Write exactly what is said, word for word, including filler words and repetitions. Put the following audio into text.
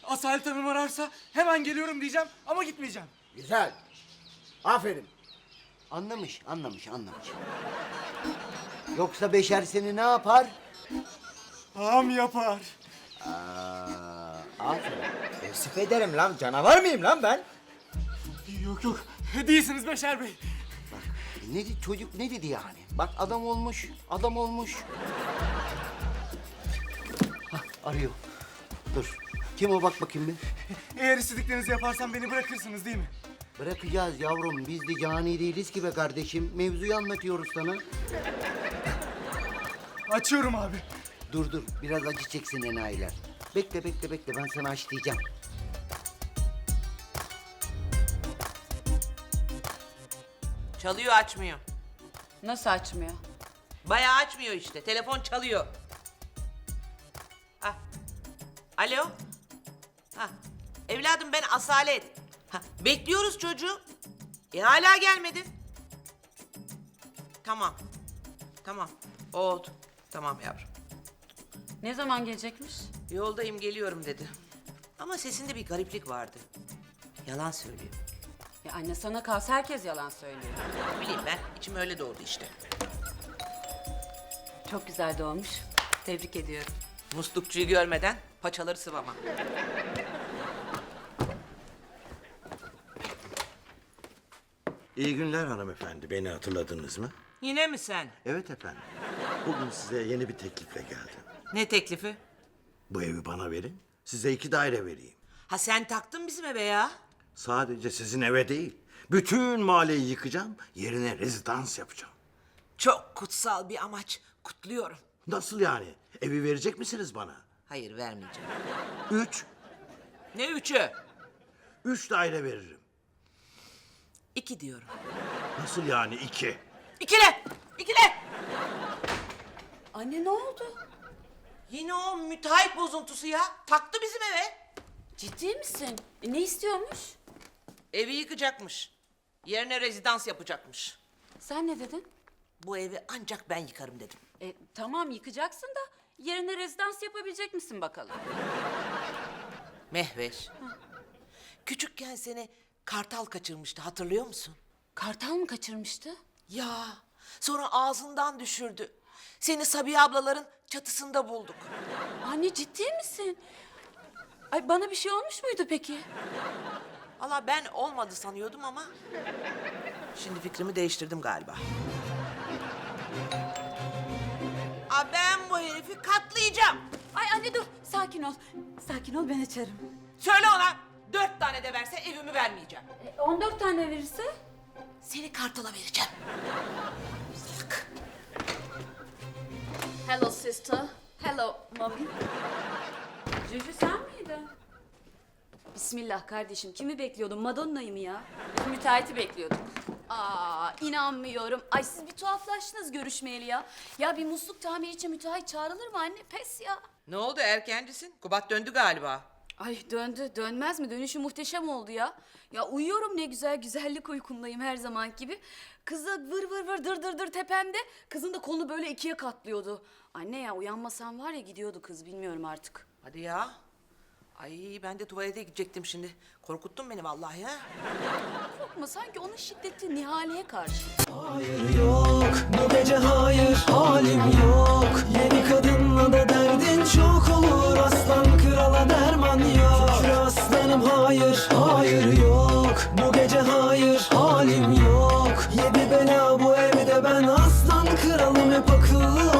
Asalet Hanım ararsa hemen geliyorum diyeceğim ama gitmeyeceğim. Güzel. Aferin. Anlamış, anlamış, anlamış. Yoksa Beşer seni ne yapar? Ağam yapar. Aa, aferin. Tevsif ederim lan. Canavar mıyım lan ben? Yok yok, değilsiniz Beşer Bey. Ne dedi çocuk, ne dedi yani? Bak adam olmuş, adam olmuş. Hah, arıyor. Dur. Kim o, bak bakayım bir. Eğer istediklerinizi yaparsam beni bırakırsınız değil mi? Bırakacağız yavrum. Biz de cani değiliz ki be kardeşim. Mevzuyu anlatıyoruz sana. Açıyorum abi. Dur dur. Biraz acı çeksin enayiler. Bekle bekle bekle. Ben sana açlayacağım. Çalıyor, açmıyor. Nasıl açmıyor? Bayağı açmıyor işte. Telefon çalıyor. Ha. Alo. Ha. Evladım ben Asalet. Ha. Bekliyoruz çocuğu. E hala gelmedi. Tamam. Tamam. Oldu. Tamam yavrum. Ne zaman gelecekmiş? Yoldayım, geliyorum dedi. Ama sesinde bir gariplik vardı. Yalan söylüyor. Ya anne, sana kalsa herkes yalan söylüyor. Ne bileyim ben, içim öyle doğdu işte. Çok güzel doğmuş. Tebrik ediyorum. Muslukçuyu görmeden paçaları sıvama. İyi günler hanımefendi. Beni hatırladınız mı? Yine mi sen? Evet efendim. Bugün size yeni bir teklifle geldim. Ne teklifi? Bu evi bana verin. Size iki daire vereyim. Ha sen taktın bizim eve ya. Sadece sizin eve değil. Bütün mahalleyi yıkacağım. Yerine rezidans yapacağım. Çok kutsal bir amaç. Kutluyorum. Nasıl yani? Evi verecek misiniz bana? Hayır, vermeyeceğim. Üç. Ne üçü? Üç daire veririm. İki diyorum. Nasıl yani iki? İkile! İkile! Anne ne oldu? Yine o müteahhit bozuntusu ya. Taktı bizim eve. Ciddi misin? E, ne istiyormuş? Evi yıkacakmış. Yerine rezidans yapacakmış. Sen ne dedin? Bu evi ancak ben yıkarım dedim. E, tamam yıkacaksın da yerine rezidans yapabilecek misin bakalım? Mehveş. Küçükken seni kartal kaçırmıştı, hatırlıyor musun? Kartal mı kaçırmıştı? Ya sonra ağzından düşürdü. Seni Sabiha ablaların çatısında bulduk. Anne ciddi misin? Ay bana bir şey olmuş muydu peki? Valla ben olmadı sanıyordum ama... Şimdi fikrimi değiştirdim galiba. Aa, ben bu herifi katlayacağım. Ay anne dur, sakin ol. Sakin ol, ben açarım. Söyle ona, dört tane de verse evimi vermeyeceğim. E, on dört tane verirse? Seni kartala vereceğim. Salak. Hello sister. Hello mommy. Cücü sen miydin? Bismillah kardeşim. Kimi bekliyordun? Madonna'yı mı ya? Müteahhiti bekliyorduk. Aa inanmıyorum. Ay siz bir tuhaflaştınız görüşmeyeli ya. Ya bir musluk tamiri için müteahhit çağrılır mı anne? Pes ya. Ne oldu, erkencisin? Kubat döndü galiba. Ay döndü. Dönmez mi? Dönüşü muhteşem oldu ya. Ya uyuyorum ne güzel. Güzellik uykumdayım her zaman gibi. Kız da vır vır vır dır dır dır tepemde. Kızın da kolunu böyle ikiye katlıyordu. Anne ya uyanmasam var ya gidiyordu kız. Bilmiyorum artık. Hadi ya. Ay ben de tuvalete gidecektim şimdi. Korkuttun beni vallahi ha. Korkma sanki onun şiddeti Nihale'ye karşı. Hayır yok bu gece hayır halim yok. Yeni kadınla da derdin çok olur. Aslan krala derman yok. Şükür aslanım hayır hayır yok. Bu gece hayır halim yok. Yedi bela bu evde ben aslan kralım hep akıllı